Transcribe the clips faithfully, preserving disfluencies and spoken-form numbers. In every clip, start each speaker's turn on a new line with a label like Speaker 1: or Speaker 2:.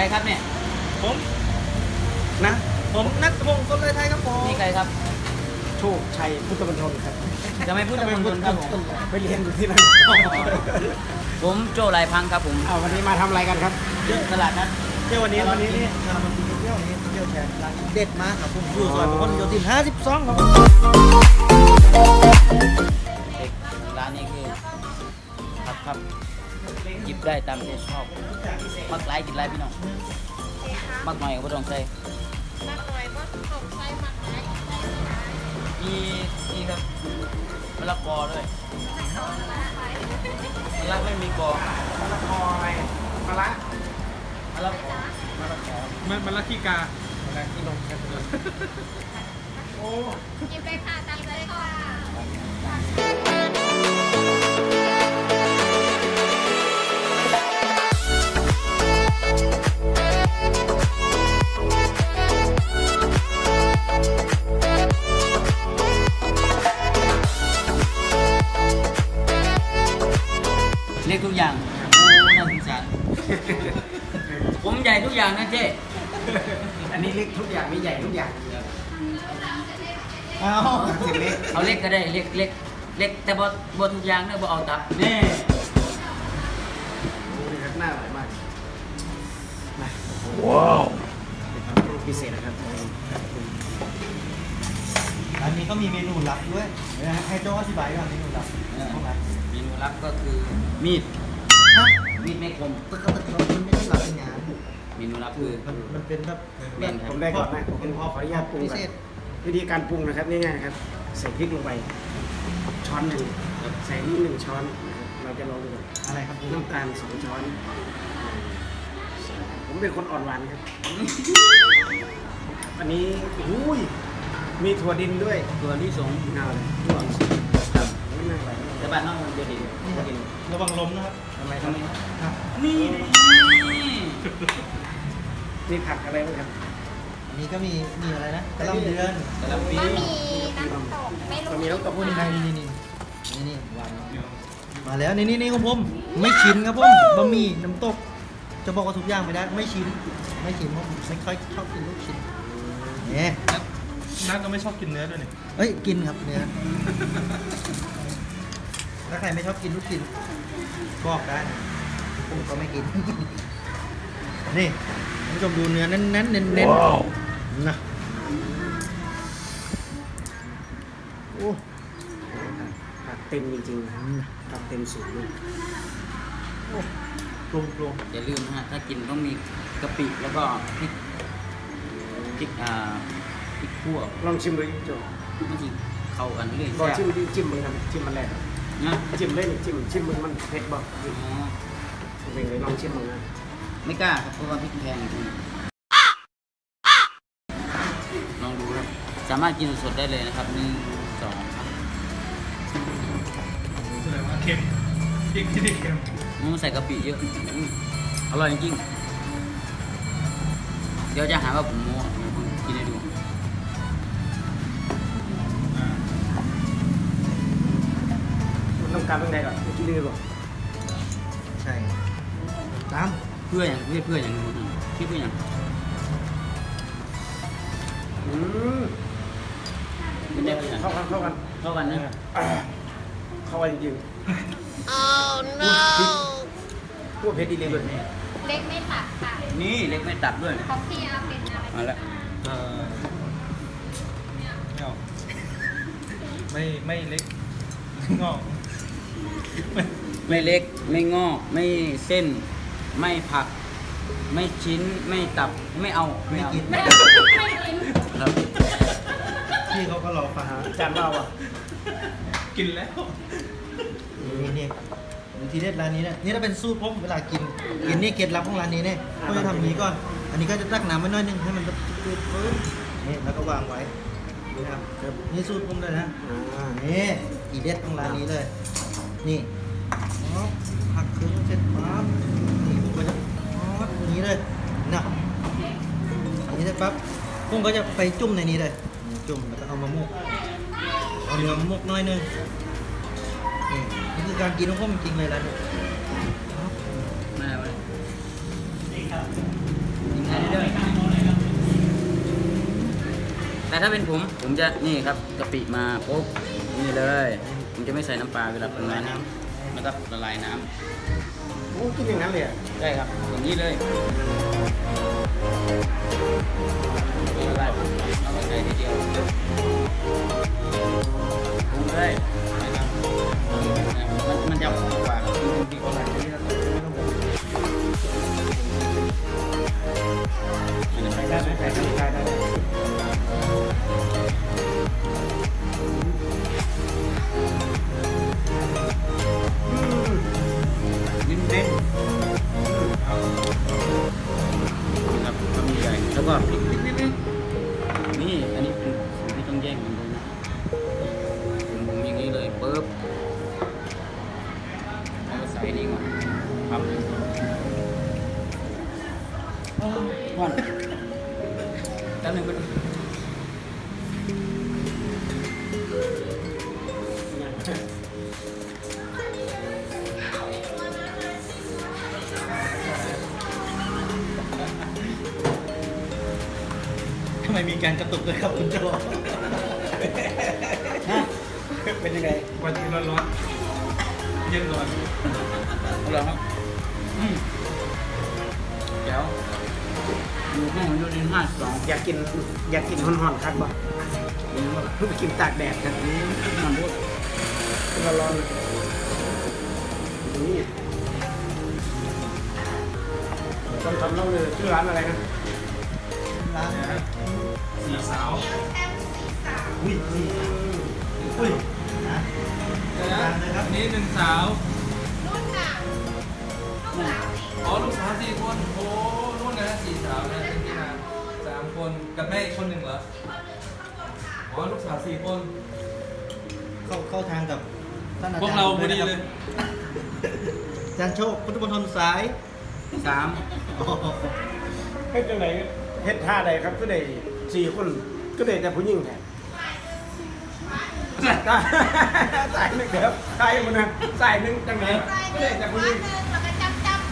Speaker 1: ครับเนี่ย
Speaker 2: ผมนะผมนัทพงศ์ต้นเลยไทยครับผม
Speaker 1: นี่ใครครับ
Speaker 3: โชคชัยพุทธมณฑลครับ
Speaker 1: จะไม่พูดตะมนครับผม
Speaker 3: ไปเรียนอยู่ที่นั่น
Speaker 1: ผมโจ้ลายพังครับผม
Speaker 3: เอาวันนี้มาทำอะไรกันครับ
Speaker 1: เยอะตลาดนัด
Speaker 2: เที่ยววันนี้วันนี้นี่เรามากินเที่ยวนี้เที่ยวแทนร้านเด็ดมากครับผมอยู่ซอยพหลโยธินห้าสิบสองครับผม
Speaker 1: เด็กร้านนี้คือครับครับหยิบได้ตามใจชอบมักหลายกินหลายพี่น้องมักหน่อยก็บ่ต้องใส่
Speaker 4: นักหน่อยว่าสงสัยมากไหม
Speaker 1: มีนี่ครับมะละกอด้วยมะละไม่มีกอ
Speaker 3: มะละกออะไรมะละ
Speaker 1: มะละกอ
Speaker 3: มะละกอ
Speaker 2: มันมันละขี้กาม
Speaker 3: ะละที่นมครับโอ้
Speaker 4: กินไปค่ะตามใจค่ะ
Speaker 1: เล็กทุกอย่างโอ้น่าสงสารผมใหญ่ทุกอย่างนะเจ๊
Speaker 3: อันนี้เล็กทุกอย่างไม่ใหญ่ทุกอย่าง
Speaker 2: เอา
Speaker 3: เส้นเล็ก
Speaker 1: เอาเล็กก็ได้เล็กเล็กเล็กแต่บ่บ่ทุกอย่างนะบ่เอาตับแน่
Speaker 3: โอ้ยหน้าอร่อยมากมาว้าวพิเศษนะครับ
Speaker 2: อันนี้ก็มีเมนูลับด้วยเดี๋ยวให้โจ้อธิบายก่อนเมนูลับ
Speaker 1: เออ
Speaker 2: ห้องลับ
Speaker 1: เมนูลับก็คือมีด
Speaker 2: ฮะ
Speaker 1: มีดไม่คม
Speaker 2: ปกติมันไม่ได้ลับเป็นงาน
Speaker 1: เมนูลับคือ
Speaker 2: มันมันเป็นแบบ
Speaker 1: แบ่งครับ
Speaker 3: ผมได้ก่อนนะผมขออนุญาตปรุง
Speaker 2: พิ
Speaker 3: ก่อ
Speaker 2: เศษ
Speaker 3: นวิธีการปรุงนะครับง่ายๆครับใส่พริกลงไปช้อนหนึ่งใส่นี่หนึ่งช้อนนะครับเราจะลองดูก่อน
Speaker 2: อะไรครับผม
Speaker 3: น้ำตาลสองช้อน ผมเป็นคนอ่อนหวานครับ อันนี้อุ้ยมีถั่วดินด้วย
Speaker 1: ตัวที่สอง
Speaker 3: เอาเลยถั่ว
Speaker 1: ครับ
Speaker 3: ไม่น่าไหว
Speaker 1: แต่บ้านนอกมันจะดีถั่วดิน
Speaker 2: ระวังล้มนะครับ
Speaker 3: ทำไม
Speaker 1: ทำ
Speaker 3: ทำ
Speaker 1: ไม
Speaker 3: ไม
Speaker 1: ครับ
Speaker 2: ครับ
Speaker 1: นี่
Speaker 3: มีผักอะไรบ้างครับ
Speaker 2: อันนี้ก็มีมีอะไรนะกระหลำเดือน
Speaker 1: กะหล่ำปี
Speaker 4: บะหมี่น้ำตกไม่
Speaker 3: ก็
Speaker 4: รู้
Speaker 3: มีน้ำตก
Speaker 2: โอ้นี่ไงนี่นี่นี่นี่วางมาแล้วนี่นี่นี่ของผมไม่ชินครับผมบะหมี่น้ำตก จะบอกว่าทุกอย่างไม่ได้ไม่ชินไม่ชินเพราะผมไม่ค่อยชอบกินลูกชิ้นเนี่ย
Speaker 5: นัทก็ไม่ชอบกินเนื้อด้วยนี่
Speaker 2: เอ้ยกินครับเนื้อถ้าใครไม่ชอบกินลูกชิ้นบอกได้นะผมก็ไม่กิน นี่ท่านผู้ชมดูเนื้อเน้นๆเน้นเน้นเน้นๆนะ โอ้
Speaker 3: ผักเต็มจริงๆนะครับผักเต็มสูงเลย
Speaker 2: โอ้ปรุงปรุง
Speaker 1: อย่าลืมนะฮะถ้ากินต้องมีกะปิแล้วก็พริกพริกอ่าพริกขั่ว
Speaker 3: ลองชิมดูโจ
Speaker 1: มันจะเข้ากันเรื่อย
Speaker 3: บอก
Speaker 1: แซ่
Speaker 3: ชิม
Speaker 1: บ
Speaker 3: ดิจิ้มมึงครับจิ้มมันแรก
Speaker 1: นะ
Speaker 3: จิ้มเลยนี่จิ้มชิมมึงมันเผ็ดบอก
Speaker 1: อ๋อ
Speaker 3: เป็นเลยลองชิมมึงนะ
Speaker 1: ไม่กล้าครับเพราะว่าพริกแพงจริงลองดูครับสามารถกินสดๆได้เลยนะครับหนึ่งสองครับ
Speaker 5: แสดงว่าเค็มพริกที่นี่เค็ม
Speaker 1: มันใส่กะปิเยอะอืมอร่อยจริงๆเดี๋ยวจะหาว่าผมโม้เดี๋ยวผมกินให้ดู
Speaker 5: อ่า
Speaker 3: มันต้องการเป็นไงก่อนกินเลยบอก
Speaker 2: ใช่ตาม
Speaker 1: เพื่ออย่างเพื่อเพื่ออย่างนู้นพี่เพื่ออย่าง
Speaker 3: อืม
Speaker 1: เป็นได้เพื่ออย่าง
Speaker 3: เข้ากันเข้ากัน
Speaker 1: เข้ากันนะ
Speaker 3: อ่าเข้ากันจริง
Speaker 4: Oh no
Speaker 3: ๆพวกเผ็ดดีเลย
Speaker 4: เล็กไม่ตัดค่ะ
Speaker 1: นี่เล็กไม่ตัดด้วย
Speaker 4: ของพี่อาเป็นอะไร
Speaker 1: มาแล้ว
Speaker 5: เออไม่เอาไม่ไม่เล็กไม่งอกไม่
Speaker 1: ไม่เล็กไม่งอกไม่เส้น ไม่ผัก ไม่ชิ้นไม่ตับไม่เอา
Speaker 2: ไม่
Speaker 1: เอา
Speaker 2: กิน
Speaker 4: ไม่ไม่กิน
Speaker 1: ครับ
Speaker 2: พี่เขาก็รอฟัง
Speaker 3: จานเราอ่ะ
Speaker 5: กินแล้ว
Speaker 2: นี่นี่ดูทีเด็ดร้านนี้เนี่ยนี่ถ้าเป็นสูตรผมเวลากินกินนี่เคล็ดลับของร้านนี้เนี่ยก็จะทำอย่างนี้ก่อน อันนี้ก็จะตักน้ำไว้หน้อยนึงให้มันจืดๆปึ๊บนี่แล้วก็วางไว้นะครับนี่สูตรผมเลยนะ
Speaker 3: อ่า
Speaker 2: นี่อีเด็ดของร้านนี้เลย นี่ปั๊บหักครึ่งเสร็จปั๊บนี่ผมก็จะปั๊บอย่างนี้เลยนะอย่างนี้เสร็จปั๊บผมก็จะไปจุ่มในนี้เลยจุ่มแล้วก็เอามามุกเอาเนื้อมามุกหน้อยนึงนี่นี่คือการกินของผมจริงๆเลยร้านนี้ปั๊บ
Speaker 1: มาแล้วเลย
Speaker 2: น
Speaker 1: ส่เรื่อยๆแต่ถ้าเป็นผมผมจะนี่ครับกะปิมาปุ๊บนี่เลยผมจะไม่ใส่น้ำปลาเวลาปรุงน้ำแล้วก็ละลายน้
Speaker 3: โอ้กินอย่างนั้นเลยอ่ะ
Speaker 1: ำได้ครับอย่างนี้เลยละลายปุ๊บเอามาใส่ทีเดียวปรุงเลยนะครับมันมันจะหอมกว่าที่คนละที่เราไม่ต้องปรุง
Speaker 3: ใส่ได้ไหมใส่ได้ได้ได้อืม
Speaker 1: นิ่มเน้นครับทำใหญ่แล้วก็พริกนิดนิดนี่อันนี้เป็นสูตรที่ต้องแยกมันเลยนะผมผมอย่างนี้เลยปุ๊บเอาใส่นี่ก่อนครับก่อนแล้วหนึ่งก็
Speaker 2: ทำไมมีการกระตุกเลยครับคุณโจ
Speaker 3: เป็นยังไง
Speaker 5: วันนี้ร้อนๆเย็นก่อน
Speaker 1: เอาละครับอืมเดี๋ยวอยู่ห้องยูนินห้าสอง
Speaker 3: อยากกินอยากกินห่อนๆครับบ่เพิ่งไปกินตากแดดครับ
Speaker 1: นี้มันพูด
Speaker 3: ร้อนๆนี่ต้องทำเล่าเลยชื่อร้านอะไรนะ
Speaker 2: ร้าน
Speaker 5: สีสาว
Speaker 2: อุ้ยนี่อุ้ยนะร้านเลยครับ
Speaker 5: นี่หนึ่งสาว
Speaker 4: รุ่นน่ะลูกสาว
Speaker 5: อ๋อลูกสาวสี่คนโอ้รุ่นนะสี่สาวนะเป็นที่นะสามคนกับแม่อีกคนหนึ่งเหรออ๋อลูกสาวสี่คน
Speaker 2: เข้าเข้าทางกับท่านอา
Speaker 5: พว
Speaker 2: จาก รย์
Speaker 5: เรา
Speaker 2: ผม
Speaker 5: พอดี
Speaker 2: นะค
Speaker 5: เล
Speaker 2: รับ
Speaker 5: ย
Speaker 2: อาจารย์โชคพุทธมณฑลสาย
Speaker 1: สาม
Speaker 2: อ๋อ
Speaker 3: เฮ็ดจังไหนเฮ็ดท่าใดครับก็ได้สี่คนก็ได้แต่ผู้หญิงแทนสายหนึ่งเดี๋ยวสายมันนะสายหนึ่งจังไหน
Speaker 4: ใส่
Speaker 3: ก็
Speaker 4: เดิ
Speaker 3: ได้
Speaker 4: น
Speaker 3: แต่
Speaker 4: หั
Speaker 3: ผู้
Speaker 4: ว
Speaker 3: หญิง
Speaker 4: หนึ่งแล้วก็จับจับ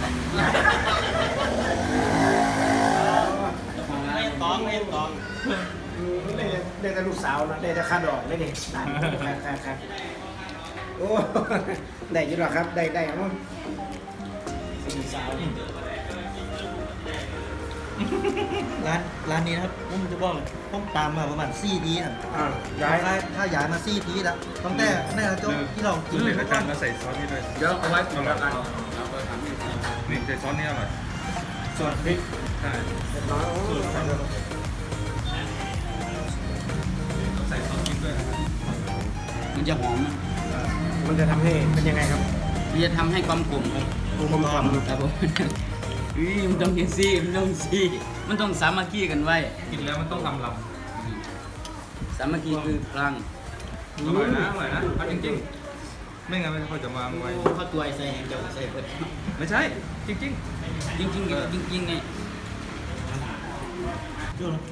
Speaker 2: ไม่ต้องไม่ต้อง
Speaker 3: อืมได้ได้แต่ลูกสาวนะได้แต่ค่าดอกได้เด็กครับครับครับโอ้ได้อยินหรอครับได้ได้ครับ
Speaker 2: สี่สาวร้านร้านนี้นะครับผมจะบอกเลยต้องตามมาประมาณสี่ทีอ่ะ
Speaker 3: อ่า
Speaker 2: ย้า
Speaker 3: ย้าย ย
Speaker 2: ถ้าย้ายมาซี่ทีแล้วตั้งแต่แม่โจ๊กที่เรากิน
Speaker 5: เด็ก
Speaker 2: ทุ
Speaker 5: อาก
Speaker 2: วั
Speaker 5: จาร
Speaker 2: น
Speaker 5: ย์มาใส่ซอสนี่ด้วย
Speaker 1: เดี๋ยวเอาไว้ผมละกัน
Speaker 5: นี่ใส่ซอสนี่อร่อย
Speaker 3: ส่วนพริก
Speaker 5: ใช่
Speaker 3: เรียบร้อยโอ้
Speaker 5: ต้องใส่ซอสพริกด้วยนะครับ
Speaker 1: มันจะหอมนะ
Speaker 3: มันจะทำให้เป็นยังไงครับ
Speaker 1: มันจะทำให้ความกลมครับ
Speaker 2: กลมกล่อม
Speaker 1: ครับผมอุ้ยมันต้องเห็นซี่มันต้องซี่มันต้องสามัคคีกันไว้
Speaker 5: กินแล้วมันต้องลำล
Speaker 1: สามัคคีคือพลัง
Speaker 5: ำอร่อยนะอร่อยนะเอาจริงๆ ไม่งั้นไม่ค่อยจะวางไว้
Speaker 2: เขาตัวไอ้ใส่แหงเจ้าใส่เปิด
Speaker 5: ไม่ใช่ จริง
Speaker 1: จริงๆจริงๆจริงๆไง
Speaker 2: จุ๊บ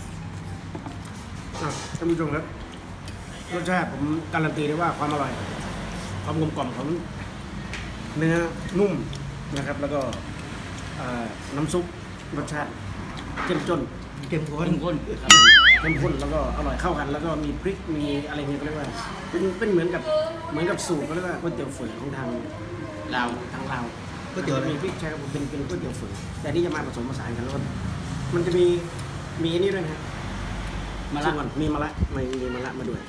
Speaker 3: อ่ะท่านผู้ชมครับรสชาติผมการันตีได้ว่าความอร่อย ความกลมกล่อมของเนื้อนุ่มนะครับ แล้วก็เอ่อน้ำซุปรสชาติเข้มจน
Speaker 2: เก็มข้น
Speaker 1: เข้มข้นครับ
Speaker 3: เข้มข้นแล้วก็อร่อยเข้ากัน แล้วก็มีพริกมีอะไรเงี้ยก็เรียกว่าเป็นเป็นเหมือนกับเหมือนกับสูตรเขาเรียกว่าก๋วยเตี๋ยวฝืนของทาง
Speaker 1: ลาว
Speaker 3: ทางลาว
Speaker 2: ก๋วยเตี๋ยวอะไร
Speaker 3: มีพริกใช่ครับผมเป็นเป็นก๋วยเตี๋ยวฝืนแต่นี่จะมาผสมผสานกันแล้วก็มันจะมีมีอันนี้ด้วยนะฮะ
Speaker 1: มาละ
Speaker 3: ชิก่อนมีมะละมีมีมะละมาด้วย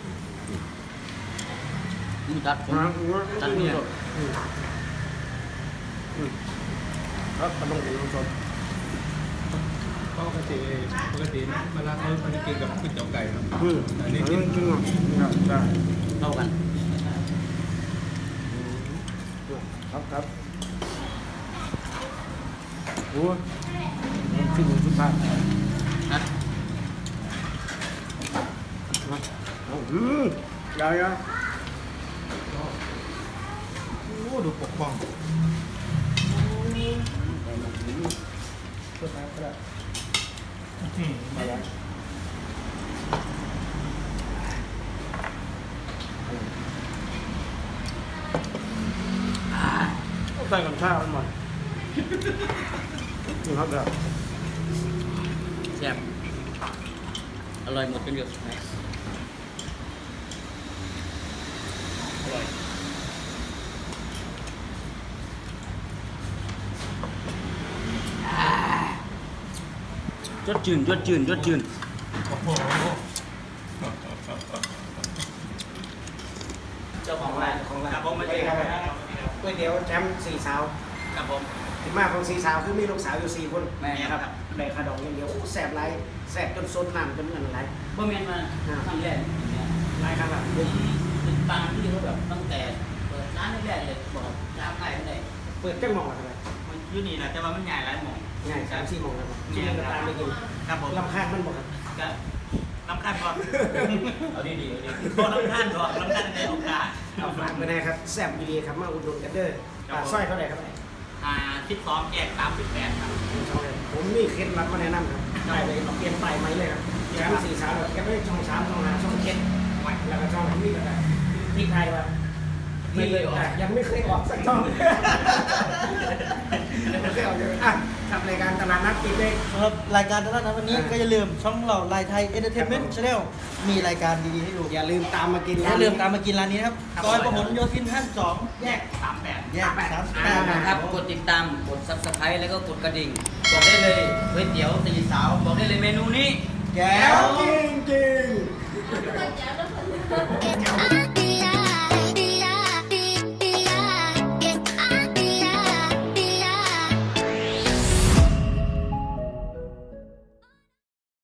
Speaker 1: นี่ตัดผม ตัดเนี่ย
Speaker 3: อืมอืมครับกำลังกินน้ำส้ม
Speaker 5: ปกติปกติเวลาเขาเขาจะกินกับก๋วยเตี๋ยวไก่เนาะ
Speaker 3: อืม
Speaker 5: อั
Speaker 3: อั
Speaker 5: น
Speaker 3: น
Speaker 5: นี้
Speaker 3: นี้
Speaker 5: กิ
Speaker 3: กิ
Speaker 5: น
Speaker 3: นจริงเหรอครับใช่
Speaker 1: เข้ากัน
Speaker 3: ครับครับโอ้ยขึ้นอยู่สุดท้าย
Speaker 1: นะ
Speaker 3: อืมยาวยาว
Speaker 2: โอ้ดูปกป้อง
Speaker 3: สุดท้ายก็ได้
Speaker 5: อืม
Speaker 3: มาแล้วใส่กับข้าวมันหมดนี่ครับเดี๋ยว
Speaker 1: แซ่บอร่อยหมดเป็นเดียวสุดท้ายอร่อยยอดจืนยอดจืนยอดจืน
Speaker 5: โอ้โห
Speaker 1: เจ้าของร้าน
Speaker 3: ของร้าน
Speaker 1: ครับผมมาเจอ
Speaker 3: ค
Speaker 1: ค
Speaker 3: รั
Speaker 1: รั
Speaker 3: บบ ก๋วยเตี๋ยวแชมป์สี่สาว
Speaker 1: ครับผม
Speaker 3: ที่มาของสี่สาวคือมีลูกสาวอยู่สี่คน
Speaker 1: แม่ครับ
Speaker 3: ได้ขนมอย่างเดียวโอ้แสบไรแสบจนซดน้ำจนเงินไหล
Speaker 1: บ่แม่นมาครั้งแรกเนี่ย
Speaker 3: ไรครับแบบ
Speaker 1: ผมติดตามที่เขาแบบตั้งแต่เปิดร้านแรกๆเลยบอกร้านไหนไม่ได้
Speaker 3: เปิดจังหมองอะไร
Speaker 1: มันอยู่นี่แหละแต่ว่ามันใหญ่หลายหม่อง
Speaker 3: ง่ายสามสี่โมงแล้วช่วงกระตามไปกิน
Speaker 1: ครับผม
Speaker 3: ลำคาญมันบอกครับ
Speaker 1: ก็น้ำขั้นก่อนเอาดีๆเอาดีๆพอน้ำขั้นก่อนน้ำขั้นในโอกาส
Speaker 3: เอาฝากไปนะครับแซ่บดีครับมาอุดหนุนกันเด้ออ่าสร้อยเท่าไหร่ครับ
Speaker 1: อ่าทิปซ้อมแยกสามสิบแปดครับ
Speaker 3: ผมมีเคล็ดลับมาแนะนำครับไปเลยเอาเปลี่ยนไปไหมเลยครับแชมป์สี่สาวแกไม่ได้ช่องสามช่องห้าช่องเจ็ดแล้วก็ช่องนี้ก็ได้ที่ไทยว่าไม่เลยอ่ะยังไม่เคยออกสักช่องไม่เคยออกเลยอ่ะทำรายการตลาดนัดปิดเลย
Speaker 2: สำหรับรายการตลาดนัดวันนี้
Speaker 3: อ่า
Speaker 2: ก็อย่าลืมช่องเราลายไทยเอนเตอร์เทนเมนต์ชาแนลมีรายการดีๆให้ดู
Speaker 3: อย่าลืมตามมากิน
Speaker 2: อย่าลืมตามมากินร้านนี้นะครับซอยประหลโยธินห้าสิบสอง
Speaker 1: แยกสามแปด
Speaker 2: แยกสามสิบแป
Speaker 1: อ่า
Speaker 2: ด
Speaker 1: นะครับกดติดตามกด ซับสไครบ์แล้วก็กดกระดิ่งบอกได้เลยก๋วยเตี๋ยวตีสาวบอกได้เลยเมนูนี้
Speaker 2: แก้
Speaker 3: แล้ว
Speaker 2: ว
Speaker 3: จริงจริง